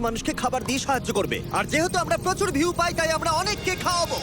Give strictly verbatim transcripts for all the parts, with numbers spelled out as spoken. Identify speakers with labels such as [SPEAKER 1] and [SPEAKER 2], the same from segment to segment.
[SPEAKER 1] মানুষকে খাবার দিয়ে সাহায্য করবে। আর যেহেতু আমরা প্রচুর ভিউ পাই তাই আমরা অনেককে খাওয়াবো।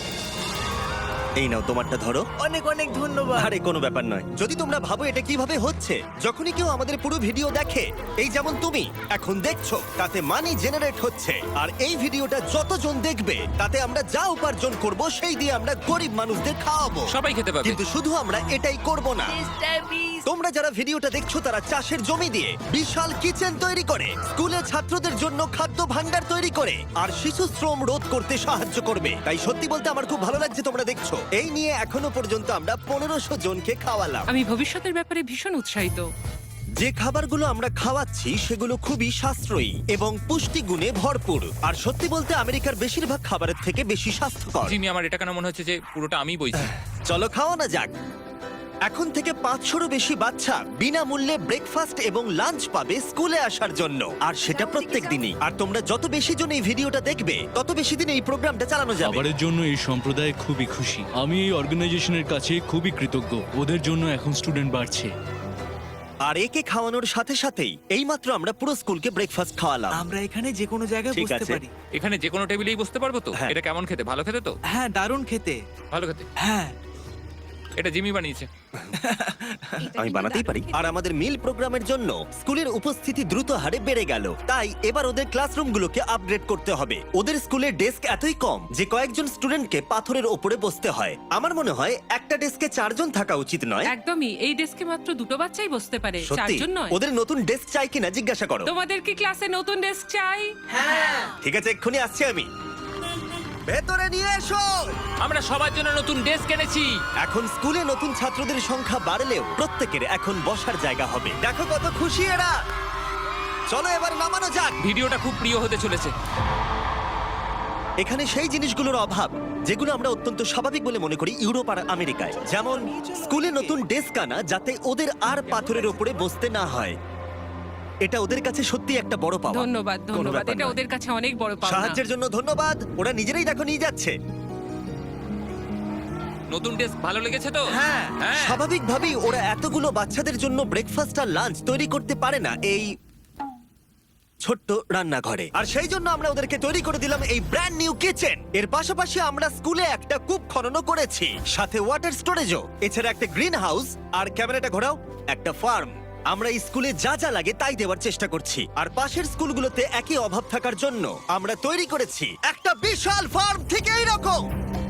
[SPEAKER 1] এই নাও তোমারটা ধরো।
[SPEAKER 2] অনেক অনেক ধন্যবাদ।
[SPEAKER 1] আরে কোনো ব্যাপার নয়। যদি তোমরা ভাবো এটা কিভাবে হচ্ছে, যখনই কেউ আমাদের পুরো ভিডিও দেখে, এই যেমন তুমি এখন দেখছো, তাতে মানি জেনারেট হচ্ছে। আর এই ভিডিওটা যতজন দেখবে তাতে আমরা যা উপার্জন করব সেই দিয়ে আমরা গরিব মানুষদের খাওয়াবো।
[SPEAKER 3] সবাই খেতে পাবে।
[SPEAKER 1] কিন্তু শুধু আমরা এটাই করব না।
[SPEAKER 2] মিস্টার বিস্ট,
[SPEAKER 1] তোমরা যারা ভিডিওটা দেখছো তারা চাষের জমি দিয়ে বিশাল কিচেন তৈরি করে, স্কুলে ছাত্রদের জন্য খাদ্য ভাণ্ডার তৈরি করে, আর শিশু শ্রম রোধ করতে সাহায্য করবে। তাই সত্যি বলতে আমার খুব ভালো লাগছে তোমরা দেখছো। এই নিয়ে এখনো পর্যন্ত আমরা পনেরোশো জনকে খাওয়ালাম।
[SPEAKER 4] আমি ভবিষ্যতের ব্যাপারে ভীষণ উৎসাহিত।
[SPEAKER 1] যে খাবারগুলো আমরা খাওয়াচ্ছি সেগুলো খুবই সাশ্রয়ী এবং পুষ্টিগুণে ভরপুর। আর সত্যি বলতে আমেরিকার বেশিরভাগ খাবারের থেকে বেশি স্বাস্থ্যকর।
[SPEAKER 3] জিমি, আমার এটা কেন মনে হচ্ছে যে পুরোটা আমিই বইছি।
[SPEAKER 1] চলো খাওয়ানো যাক। এখন থেকে পাঁচশোরও বেশি বাচ্চা বিনামূল্যে ব্রেকফাস্ট এবং লাঞ্চ পাবে স্কুলে আসার জন্য, আর সেটা প্রত্যেক দিনই। আর তোমরা যত বেশি জন এই ভিডিওটা দেখবে তত বেশি দিন এই প্রোগ্রামটা চালানো যাবে।
[SPEAKER 5] খাবারের জন্য এই সম্প্রদায় খুবই খুশি। আমি এই অর্গানাইজেশনের কাছে খুবই কৃতজ্ঞ। ওদের জন্য এখন স্টুডেন্ট বাড়ছে।
[SPEAKER 1] আর একে খাওয়ানোর সাথে সাথেই এইমাত্র আমরা পুরো স্কুলকে ব্রেকফাস্ট খাওয়ালাম।
[SPEAKER 2] আমরা এখানে যে কোনো জায়গায়
[SPEAKER 1] ঠিক
[SPEAKER 2] বসতে
[SPEAKER 1] আছে।
[SPEAKER 2] পারি।
[SPEAKER 3] এখানে যে কোনো টেবিলেই বসতে পারবো তো?
[SPEAKER 1] হ্যাঁ।
[SPEAKER 3] এটা কেমন খেতে? ভালো খেতে তো?
[SPEAKER 2] হ্যাঁ, দারুণ খেতে।
[SPEAKER 3] ভালো খেতে।
[SPEAKER 2] হ্যাঁ,
[SPEAKER 3] এটা জিমি বানিয়েছে।
[SPEAKER 1] আমি বানাতেই পারি। আর আমাদের মিল প্রোগ্রামের জন্য স্কুলের উপস্থিতি দ্রুত হারে বেড়ে গেল। তাই এবার ওদের ক্লাসরুমগুলোকে আপগ্রেড করতে হবে। ওদের স্কুলের ডেস্ক এতই কম যে কয়েকজন স্টুডেন্টকে পাথরের ওপরে বসতে হয়। আমার মনে হয় একটা ডেস্কে চারজন থাকা উচিত নয়।
[SPEAKER 4] একদমই, এই ডেস্কে মাত্র দুটো বাচ্চাই বসতে পারে,
[SPEAKER 1] সত্যি
[SPEAKER 4] চারজন নয়।
[SPEAKER 1] ওদের নতুন ডেস্ক চাই কিনা জিজ্ঞাসা করো।
[SPEAKER 4] তোমাদের কি ক্লাসে নতুন ডেস্ক চাই?
[SPEAKER 1] ঠিক আছে, এক্ষুনি আসছি আমি। ভেতরে নিয়ে এসো।
[SPEAKER 3] আমরা সবার জন্য নতুন ডেস্ক এনেছি।
[SPEAKER 1] এখন স্কুলে নতুন ছাত্রদের সংখ্যা বাড়লেও প্রত্যেকের এখন বসার জায়গা হবে। দেখো কত খুশি এরা। চলো এবার নামানো যাক।
[SPEAKER 3] ভিডিওটা খুব প্রিয় হতে চলেছে।
[SPEAKER 1] এখানে সেই জিনিসগুলোর অভাব যেগুলো আমরা অত্যন্ত স্বাভাবিক বলে মনে করি ইউরোপ আর আমেরিকায়, যেমন স্কুলে নতুন ডেস্ক আনা যাতে ওদের আর পাথরের উপরে বসতে না হয়। এটা ওদের কাছে সত্যি একটা বড় পাওয়া।
[SPEAKER 4] ধন্যবাদ,
[SPEAKER 1] কোনো
[SPEAKER 4] ধন্যবাদ।
[SPEAKER 1] ব্যাপার
[SPEAKER 4] এটা
[SPEAKER 1] নয়।
[SPEAKER 4] ওদের কাছে অনেক বড় পাওনা।
[SPEAKER 1] সাহায্যের জন্য ধন্যবাদ। ওরা নিজেরাই দেখো নিয়ে যাচ্ছে।
[SPEAKER 3] নতুন ডেস্ক ভালো লেগেছে তো?
[SPEAKER 2] হ্যাঁ।
[SPEAKER 3] হ্যাঁ।
[SPEAKER 1] স্বাভাবিকভাবেই ওরা এতগুলো বাচ্চাদের জন্য ব্রেকফাস্ট আর লাঞ্চ তৈরি করতে পারে না এই ছোট্ট রান্নাঘরে। আর সেই জন্য আমরা ওদেরকে তৈরি করে দিলাম এই ব্র্যান্ড নিউ কিচেন। এর পাশাপাশি আমরা স্কুলে একটা কূপ খননও করেছি, সাথে ওয়াটার স্টোরেজও। এছাড়া একটা গ্রিন হাউস, আর ক্যামেরাটা ঘোরাও, একটা ফার্ম। আমরা এই স্কুলে যা যা লাগে তাই দেওয়ার চেষ্টা করছি। আর পাশের স্কুলগুলোতে একই অভাব থাকার জন্য আমরা তৈরি করেছি একটা বিশাল ফার্ম থেকে এইরকম।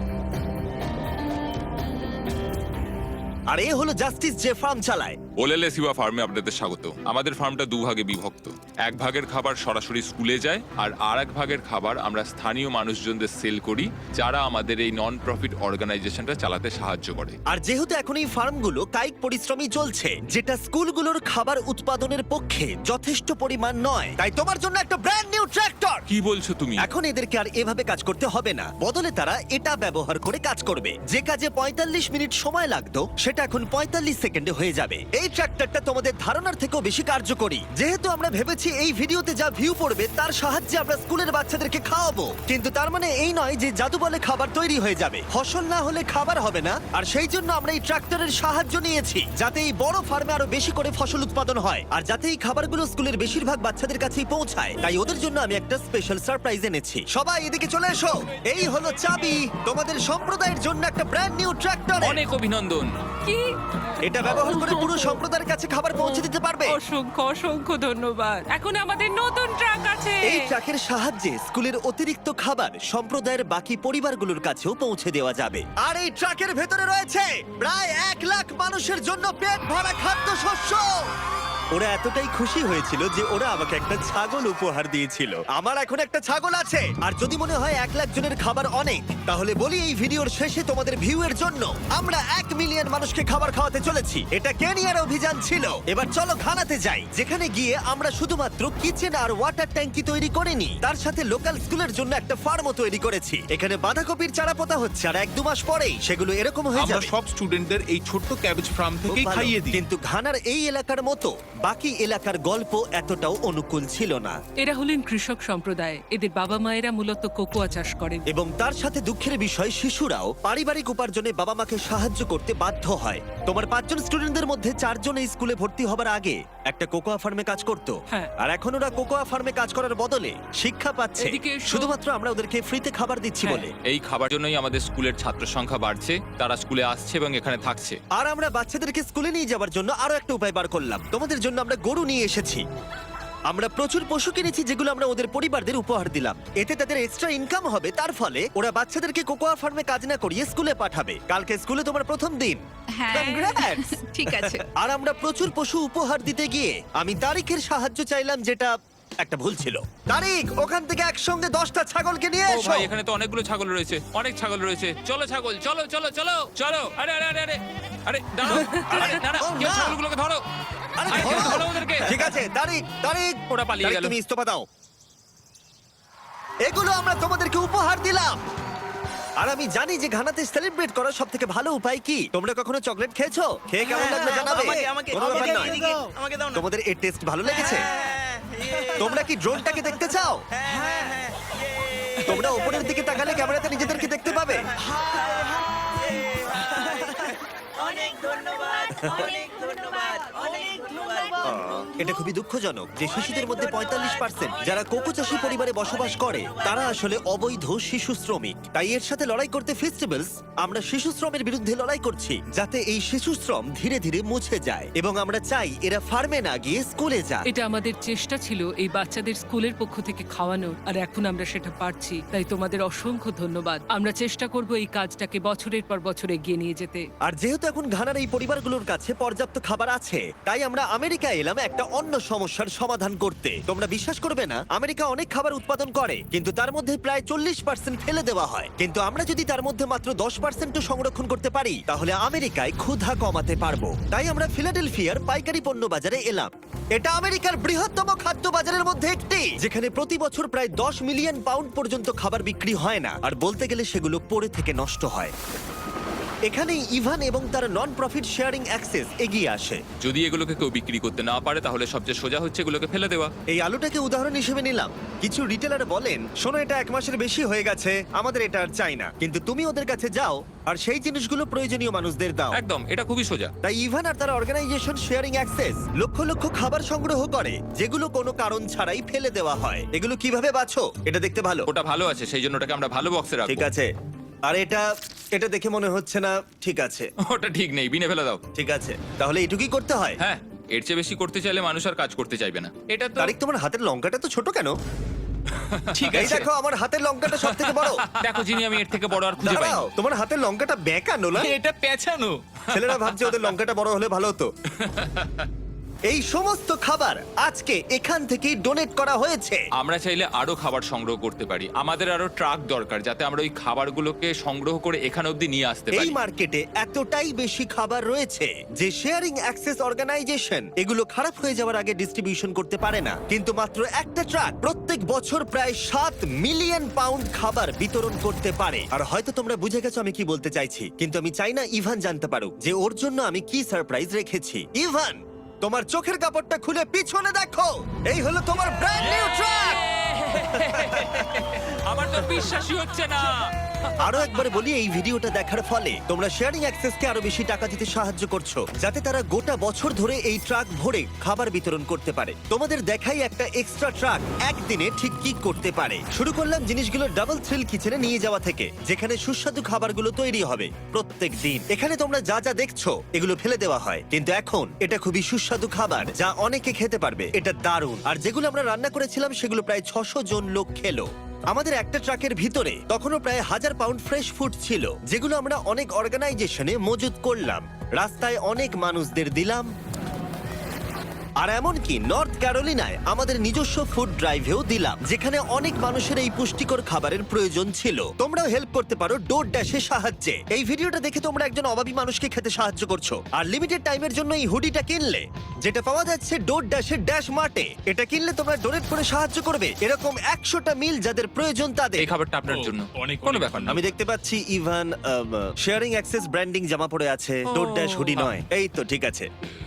[SPEAKER 1] আর এ হলো জাস্টিস যে ফার্ম চালায়।
[SPEAKER 6] ওলেলে সিবা ফার্মে আপনাদের স্বাগত। আমাদের ফার্মটা দুভাগে বিভক্ত। এক ভাগের খাবার সরাসরি স্কুলে যায়, আর আর এক ভাগের খাবার আমরা স্থানীয় মানুষজনদের সেল করি, যারা আমাদের এই নন প্রফিট অর্গানাইজেশনটা চালাতে সাহায্য করে।
[SPEAKER 1] আর যেহেতু এখন এই ফার্মগুলো কায়িক পরিশ্রমই চলছে, যেটা স্কুলগুলোর খাবার উৎপাদনের পক্ষে যথেষ্ট পরিমাণ নয়, তাই তোমার জন্য একটা ব্র্যান্ড নিউ ট্র্যাক্টর।
[SPEAKER 6] কি বলছো তুমি?
[SPEAKER 1] এখন এদেরকে আর এভাবে কাজ করতে হবে না, বদলে তারা এটা ব্যবহার করে কাজ করবে। যে কাজে পঁয়তাল্লিশ মিনিট সময় লাগতো সেটা এখন পঁয়তাল্লিশ সেকেন্ডে হয়ে যাবে। এই ট্র্যাক্টরটা তোমাদের ধারণার থেকেও বেশি কার্যকরী। যেহেতু আমরা ভেবেছি এই ভিডিওতে যা ভিউ পড়বে তার সাহায্যে আমরা স্কুলের বাচ্চাদেরকে খাওয়াবো, কিন্তু তার মানে এই নয় যে জাদু বলে খাবার তৈরি হয়ে যাবে। ফসল না হলে খাবার হবে না। আর সেই জন্য আমরা এই ট্রাক্টরের সাহায্য নিয়েছি, যাতে এই বড় ফার্মে আরো বেশি করে ফসল উৎপাদন হয়, আর যাতে এই খাবারগুলো স্কুলের বেশিরভাগ বাচ্চাদের কাছেই পৌঁছায়। তাই ওদের জন্য আমি একটা স্পেশাল সারপ্রাইজ এনেছি। সবাই এদিকে চলে এসো। এই হলো চাবি তোমাদের সম্প্রদায়ের জন্য একটা ব্র্যান্ড নিউ ট্রাক্টর।
[SPEAKER 3] অনেক অভিনন্দন।
[SPEAKER 4] কি?
[SPEAKER 1] এটা ব্যবহার করে পুরো সম্প্রদায়ের কাছে খাবার পৌঁছে দিতে পারবে।
[SPEAKER 4] অসংখ্য অসংখ্য ধন্যবাদ। এখন আমাদের নতুন ট্রাক আছে।
[SPEAKER 1] এই ট্রাকের সাহায্যে স্কুলের অতিরিক্ত খাবার সম্প্রদায়ের বাকি পরিবারগুলোর কাছেও পৌঁছে দেওয়া যাবে। আর এই ট্রাকের ভেতরে রয়েছে প্রায় এক লাখ মানুষের জন্য পেট ভরা খাদ্যশস্য। ওরা এতটাই খুশি হয়েছিল যে ওরা আমাকে একটা ছাগল উপহার দিয়েছিল। আমার এখন একটা ছাগল আছে। আর যদি মনে হয় এক লাখ জনের খাবার অনেক, তাহলে বলি এই ভিডিওর শেষে তোমাদের ভিউ এর জন্য আমরা এক মিলিয়ন মানুষকে খাবার খাওয়াতে চলেছি। এটা কেনিয়ার অভিযান ছিল। এবার চলো ঘানাতে যাই, যেখানে গিয়ে আমরা শুধুমাত্র কিচেন আর ওয়াটার ট্যাঙ্কি তৈরি করিনি, তার সাথে লোকাল স্কুলের জন্য একটা ফার্মও তৈরি করেছি। এখানে বাঁধাকপির চারা পোতা হচ্ছে, আর এক দু মাস পরেই সেগুলো এরকম হয়ে
[SPEAKER 7] আমরা
[SPEAKER 1] যাবে।
[SPEAKER 7] সব স্টুডেন্টদের এই ছোট্ট ক্যাবেজ ফার্ম
[SPEAKER 1] খুব
[SPEAKER 7] থেকেই
[SPEAKER 1] ভালো।
[SPEAKER 7] খাইয়ে দিই।
[SPEAKER 1] কিন্তু ঘানার এই এলাকার মতো বাকি এলাকার গল্প এতটাও অনুকূল ছিল না।
[SPEAKER 4] এরা হলেন কৃষক সম্প্রদায়। এদের বাবা মায়েরা মূলত কোকোয়া চাষ করেন।
[SPEAKER 1] এবং তার সাথে দুঃখের বিষয়, শিশুরাও পারিবারিক উপার্জনে বাবা মাকে সাহায্য করতে বাধ্য হয়। তোমার পাঁচজন স্টুডেন্টদের মধ্যে চারজন এই স্কুলে ভর্তি হবার আগে একটা কোকোয়া ফার্মে কাজ করতো
[SPEAKER 4] হ্যাঁ।
[SPEAKER 1] আর এখন ওরা কোকোয়া ফার্মে কাজ করার বদলে শিক্ষা পাচ্ছে
[SPEAKER 4] এদিকে এসো।
[SPEAKER 1] শুধুমাত্র আমরা ওদেরকে ফ্রিতে খাবার দিচ্ছি
[SPEAKER 4] হ্যাঁ।
[SPEAKER 1] বলে।
[SPEAKER 6] এই খাবার জন্যই আমাদের স্কুলের ছাত্র সংখ্যা বাড়ছে, তারা স্কুলে আসছে এবং এখানে থাকছে।
[SPEAKER 1] আর আমরা বাচ্চাদেরকে স্কুলে নিয়ে যাওয়ার জন্য আরো একটা উপায় বার করলাম। তোমাদের জন্য আমরা গরু নিয়ে এসেছি। আমরা প্রচুর পশু কিনেছি যেগুলো আমরা ওদের পরিবারদের উপহার দিলাম। এতে তাদের এক্সট্রা ইনকাম হবে, তার ফলে ওরা বাচ্চাদেরকে কোকোয়া ফার্মে কাজ না করিয়ে স্কুলে পাঠাবে। কালকে স্কুলে তোমার প্রথম দিন।
[SPEAKER 8] হ্যাঁ
[SPEAKER 1] Congrats!
[SPEAKER 8] ঠিক আছে।
[SPEAKER 1] আর আমরা প্রচুর পশু উপহার দিতে গিয়ে আমি তারিখের সাহায্য চাইলাম, যেটা একটা ভুল ছিল। তারিখ, ওখান থেকে একসঙ্গে দশটা ছাগলকে নিয়ে
[SPEAKER 6] ও
[SPEAKER 1] এসো।
[SPEAKER 6] ভাই, এখানে তো অনেকগুলো ছাগল রয়েছে, অনেক ছাগল রয়েছে।
[SPEAKER 3] চলো ছাগল, চলো চলো চলো চলো। আরে আরে আরে আরে আরে দাঁড়াও, আরে দাঁড়াও,
[SPEAKER 1] ও,
[SPEAKER 3] কেউ
[SPEAKER 1] না।
[SPEAKER 3] ছাগলগুলোকে ধরো।
[SPEAKER 1] আরে
[SPEAKER 3] আরে কেউ
[SPEAKER 1] ধরো।
[SPEAKER 3] ধরো ওদেরকে।
[SPEAKER 1] ঠিক আছে, তারিখ, তারিখ,
[SPEAKER 3] ওরা পালিয়ে
[SPEAKER 1] তারিখ,
[SPEAKER 3] গেল।
[SPEAKER 1] তুমি ইস্তফা দাও। এগুলো আমরা তোমাদেরকে উপহার দিলাম। আর আমি জানি যে ঘানাতে সেলিব্রেট করার সব থেকে ভালো উপায় কি। তোমরা কখনো চকলেট খেয়েছো? খেয়ে কেমন লাগলো জানাবে।
[SPEAKER 2] আমাকে আমাকে
[SPEAKER 1] কোনো ব্যাপার
[SPEAKER 2] আমাকে
[SPEAKER 1] নয়।
[SPEAKER 2] এদিকে, আমাকে দাও না।
[SPEAKER 1] তোমাদের এর টেস্ট ভালো লেগেছে?
[SPEAKER 2] হ্যাঁ,
[SPEAKER 1] তোমরা কি ড্রোনটাকে দেখতে চাও?
[SPEAKER 2] হ্যাঁ, হ্যাঁ,
[SPEAKER 1] তোমরা উপরের দিকে তাকালে ক্যামেরাতে নিজেদেরকে দেখতে পাবে।
[SPEAKER 2] অনেক ধন্যবাদ, অনেক ধন্যবাদ, অনেক ধন্যবাদ।
[SPEAKER 1] এটা খুবই দুঃখজনক যে শিশুদের মধ্যে পঁয়তাল্লিশ পার্সেন্ট যারা কোকো চাষী পরিবারে বসবাস করে তারা আসলে অবৈধ শিশু শ্রমিক। তাই এর সাথে লড়াই করতে ফেস্টিভ্যালস আমরা শিশু শ্রমের বিরুদ্ধে লড়াই করছি, যাতে এই শিশু শ্রম ধীরে ধীরে মুছে যায়। এবং আমরা চাই এরা ফার্মে না গিয়ে স্কুলে যায়।
[SPEAKER 4] এটা আমাদের চেষ্টা ছিল এই বাচ্চাদের স্কুলের পক্ষ থেকে খাওয়ানোর, আর এখন আমরা সেটা পারছি। তাই তোমাদের অসংখ্য ধন্যবাদ। আমরা চেষ্টা করব এই কাজটাকে বছরের পর বছর এগিয়ে নিয়ে যেতে।
[SPEAKER 1] আর যেহেতু এখন ঘানার এই পরিবারগুলোর কাছে পর্যাপ্ত খাবার আছে, তাই আমরা আমেরিকা এলাম একটা অন্য সমস্যার সমাধান করতে। তোমরা বিশ্বাস করবে না, আমেরিকা অনেক খাবার উৎপাদন করে, কিন্তু তার মধ্যে প্রায় চল্লিশ পার্সেন্ট ফেলে দেওয়া হয়। কিন্তু আমরা যদি তার মধ্যে মাত্র দশ পার্সেন্ট সংরক্ষণ করতে পারি, তাহলে আমেরিকায় ক্ষুধা কমাতে পারবো। তাই আমরা ফিলাডেলফিয়ার পাইকারি পণ্য বাজারে এলাম। এটা আমেরিকার বৃহত্তম খাদ্য বাজারের মধ্যে একটি, যেখানে প্রতি বছর প্রায় দশ মিলিয়ন পাউন্ড পর্যন্ত খাবার বিক্রি হয় না, আর বলতে গেলে সেগুলো পড়ে থেকে নষ্ট হয়। এখানেই ইভান এবং তার নন প্রফিট শেয়ারিং অ্যাক্সেস এগিয়ে আসে।
[SPEAKER 6] যদি এগুলোকে কেউ বিক্রি করতে না পারে, তাহলে সবচেয়ে সোজা হচ্ছে এগুলোকে ফেলে দেওয়া।
[SPEAKER 1] এই আলুটাকে উদাহরণ হিসেবে নিলাম। কিছু রিটেলার বলেন, শোনো এটা এক মাসের বেশি হয়ে গেছে, আমাদের এটা আর চাই না। কিন্তু তুমি ওদের কাছে যাও আর সেই জিনিসগুলো প্রয়োজনীয় মানুষদের দাও।
[SPEAKER 6] একদম, এটা খুবই সোজা।
[SPEAKER 1] তাই ইভান আর তার অর্গানাইজেশন শেয়ারিং অ্যাক্সেস লক্ষ লক্ষ খাবার সংগ্রহ করে, যেগুলো কোনো কারণ ছাড়াই ফেলে দেওয়া হয়। এগুলো কিভাবে বাছো? এটা দেখতে ভালো।
[SPEAKER 6] ওটা ভালো আছে, সেই জন্য ওটাকে আমরা ভালো বক্সে
[SPEAKER 1] ঠিক
[SPEAKER 6] রাখবো।
[SPEAKER 1] আছে। আর এটা এটা দেখে মনে হচ্ছে না ঠিক আছে।
[SPEAKER 6] ওটা ঠিক নেই, বিনে ফেলে দাও।
[SPEAKER 1] ঠিক আছে, তাহলে এটুকুই করতে হয়।
[SPEAKER 6] হ্যাঁ, এর চেয়ে বেশি করতে চাইলে মানুষ আর কাজ করতে চাইবে না। এটা তো
[SPEAKER 1] তারিক, তোমার হাতের লঙ্কাটা তো ছোট কেন?
[SPEAKER 6] ঠিক
[SPEAKER 1] এই
[SPEAKER 6] আছে।
[SPEAKER 1] দেখো, আমার হাতের লঙ্কাটা সব থেকে বড়।
[SPEAKER 6] দেখো জিনি, আমি এর থেকে বড় আর খুঁজে পাই
[SPEAKER 1] দাঁড়াও, তোমার হাতের লঙ্কাটা বেঁকানো না?
[SPEAKER 7] এটা পেঁচানো।
[SPEAKER 1] ছেলেরা ভাবছে ওদের লঙ্কাটা বড় হলে ভালো হতো। এই সমস্ত খাবার আজকে এখান থেকেই ডোনেট করা হয়েছে।
[SPEAKER 6] আমরা চাইলে আরো খাবার সংগ্রহ করতে পারি। আমাদের আরো ট্রাক দরকার, যাতে আমরা ওই খাবারগুলোকে সংগ্রহ করে এখানে অবধি নিয়ে আসতে
[SPEAKER 1] এই
[SPEAKER 6] পারি।
[SPEAKER 1] মার্কেটে এতটাই বেশি খাবার রয়েছে যে শেয়ারিং অ্যাক্সেস অর্গানাইজেশন এগুলো খারাপ হয়ে যাওয়ার আগে ডিস্ট্রিবিউশন করতে পারে না। কিন্তু মাত্র একটা ট্রাক প্রত্যেক বছর প্রায় সাত মিলিয়ন পাউন্ড খাবার বিতরণ করতে পারে। আর হয়তো তোমরা বুঝে গেছো আমি কি বলতে চাইছি, কিন্তু আমি চাই না ইভান জানতে পারুক যে ওর জন্য আমি কি সারপ্রাইজ রেখেছি। ইভান, তোমার চোখের কাপড়টা খুলে পিছনে দেখো, এই হলো তোমার ব্র্যান্ড নিউ ট্রাক।
[SPEAKER 3] আমার তো বিশ্বাসই হচ্ছে না।
[SPEAKER 1] আরো একবার বলি, এই ভিডিওটা দেখার ফলে তোমরা শেয়ারিং অ্যাক্সেসকে আরো বেশি টাকা দিতে সাহায্য করছো, যাতে তারা গোটা বছর ধরে এই ট্রাক ভরে খাবার বিতরণ করতে পারে। তোমাদের দেখাই একটা এক্সট্রা ট্রাক একদিনে ঠিক কি করতে পারে। শুরু করলাম জিনিসগুলো ডাবল থ্রিল কিচেনে নিয়ে যাওয়া থেকে, যেখানে সুস্বাদু খাবারগুলো তৈরি হবে প্রত্যেক দিন। এখানে তোমরা যা যা দেখছো এগুলো ফেলে দেওয়া হয়, কিন্তু এখন এটা খুবই সুস্বাদু খাবার যা অনেকে খেতে পারবে। এটা দারুণ। আর যেগুলো আমরা রান্না করেছিলাম সেগুলো প্রায় ছশো জন লোক খেলো। আমাদের একটা ট্রাকের ভিতরে তখনও প্রায় হাজার পাউন্ড ফ্রেশ ফুড ছিল, যেগুলো আমরা অনেক অর্গানাইজেশনে মজুত করলাম, রাস্তায় অনেক মানুষদের দিলাম। আর এমনকি নর্থ ক্যারোলিনায় আমাদের নিজস্ব ফুড ড্রাইভেও দিলাম, যেখানে অনেক মানুষের এই পুষ্টিকর খাবারের প্রয়োজন ছিল। তোমরাও হেল্প করতে পারো ডোর ড্যাশের সাহায্যে। এই ভিডিওটা দেখে তোমরা একজন অভাবী মানুষকে খেতে সাহায্য করছো। আর লিমিটেড টাইমের জন্য এই হুডিটা কিনলে, যেটা পাওয়া যাচ্ছে ডোর ড্যাশের ড্যাশ মার্টে, এটা কিনলে তোমরা ডোনেট করে সাহায্য করবে এরকম একশোটা মিল যাদের প্রয়োজন তাদের।
[SPEAKER 6] এই খাবারটা আপনার
[SPEAKER 5] ও,
[SPEAKER 6] জন্য।
[SPEAKER 5] অনেক
[SPEAKER 6] কোনো
[SPEAKER 5] অনেক
[SPEAKER 6] ব্যাপার না।
[SPEAKER 1] আমি দেখতে পাচ্ছি ইভান শেয়ারিং অ্যাক্সেস ব্র্যান্ডিং জামা পরে আছে, ডোর ড্যাশ হুডি নয়। এই তো ঠিক আছে।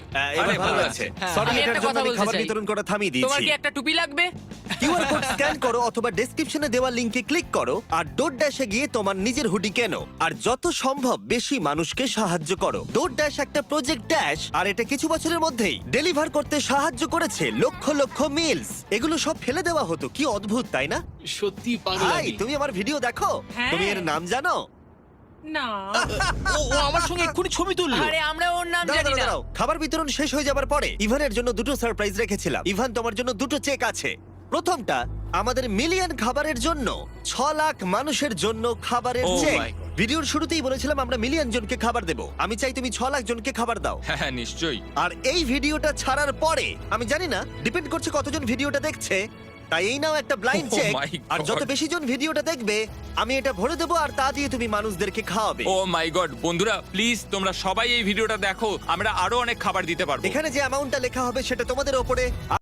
[SPEAKER 1] আহ, এবার
[SPEAKER 3] আরে,
[SPEAKER 1] ভালো
[SPEAKER 3] ভালো
[SPEAKER 1] লাগছে
[SPEAKER 3] আছে।
[SPEAKER 1] সরি
[SPEAKER 8] আমি
[SPEAKER 1] এটার
[SPEAKER 8] একটা
[SPEAKER 1] জন্য
[SPEAKER 8] কথা
[SPEAKER 1] আমি
[SPEAKER 8] বলতে
[SPEAKER 1] খাবার
[SPEAKER 8] চাই।
[SPEAKER 1] বিতরণ করা থামিয়ে
[SPEAKER 8] তোমার
[SPEAKER 1] দিয়েছি
[SPEAKER 8] কি একটা টুপি লাগবে?
[SPEAKER 1] কিউআর কোড স্ক্যান করো অথবা ডেসক্রিপশনে দেওয়া লিংকে ক্লিক করো আর ডোর ড্যাশে গিয়ে তোমার নিজের হুডি কেনো আর যত সম্ভব বেশি মানুষকে সাহায্য করো। ডোর ড্যাশ একটা প্রজেক্ট ড্যাশ আর এটা কিছু বছরের মধ্যেই ডেলিভার করতে সাহায্য করেছে লক্ষ লক্ষ মিলস। এগুলো সব ফেলে দেওয়া হতো, কি অদ্ভুত তাই না?
[SPEAKER 5] সত্যি
[SPEAKER 1] ভাই
[SPEAKER 5] পাগলামি।
[SPEAKER 1] তুমি আমার ভিডিও দেখো,
[SPEAKER 4] হ্যাঁ।
[SPEAKER 1] তুমি এর নাম জানো?
[SPEAKER 4] না
[SPEAKER 7] ও ও আমার সঙ্গে এক্ষুনি ছবি তুললো।
[SPEAKER 8] আরে আমরা ওর নাম
[SPEAKER 1] দাঁড়াও,
[SPEAKER 8] জানি
[SPEAKER 1] দাঁড়াও,
[SPEAKER 8] না।
[SPEAKER 1] দাঁড়াও। খাবার বিতরণ শেষ হয়ে যাবার পরে ইভানের জন্য দুটো সারপ্রাইজ রেখেছিলাম। ইভান, তোমার জন্য দুটো চেক আছে। প্রথমটা আমাদের মিলিয়ন খাবারের জন্য ছ লাখ মানুষের জন্য খাবারের
[SPEAKER 3] Oh
[SPEAKER 1] চেক।
[SPEAKER 3] my God.
[SPEAKER 1] ভিডিওর শুরুতেই বলেছিলাম আমরা মিলিয়ন জনকে খাবার দেব। আমি চাই তুমি ছ লাখ জনকে খাবার দাও।
[SPEAKER 6] হ্যাঁ হ্যাঁ নিশ্চয়ই।
[SPEAKER 1] আর এই ভিডিওটা ছাড়ার পরে আমি জানি না, ডিপেন্ড করছে কতজন ভিডিওটা দেখছে, তাই এই নাও একটা ব্লাইন্ড
[SPEAKER 6] Oh
[SPEAKER 1] চেক।
[SPEAKER 6] my
[SPEAKER 1] আর যত
[SPEAKER 6] God.
[SPEAKER 1] বেশি জন ভিডিওটা দেখবে আমি এটা ভরে দেবো আর তা দিয়ে তুমি মানুষদেরকে খাওয়াবে।
[SPEAKER 6] ও মাই গড, বন্ধুরা প্লিজ তোমরা সবাই এই ভিডিওটা দেখো, আমরা আরো অনেক খাবার দিতে পারবো।
[SPEAKER 1] এখানে যে অ্যামাউন্টটা লেখা হবে সেটা তোমাদের ওপরে।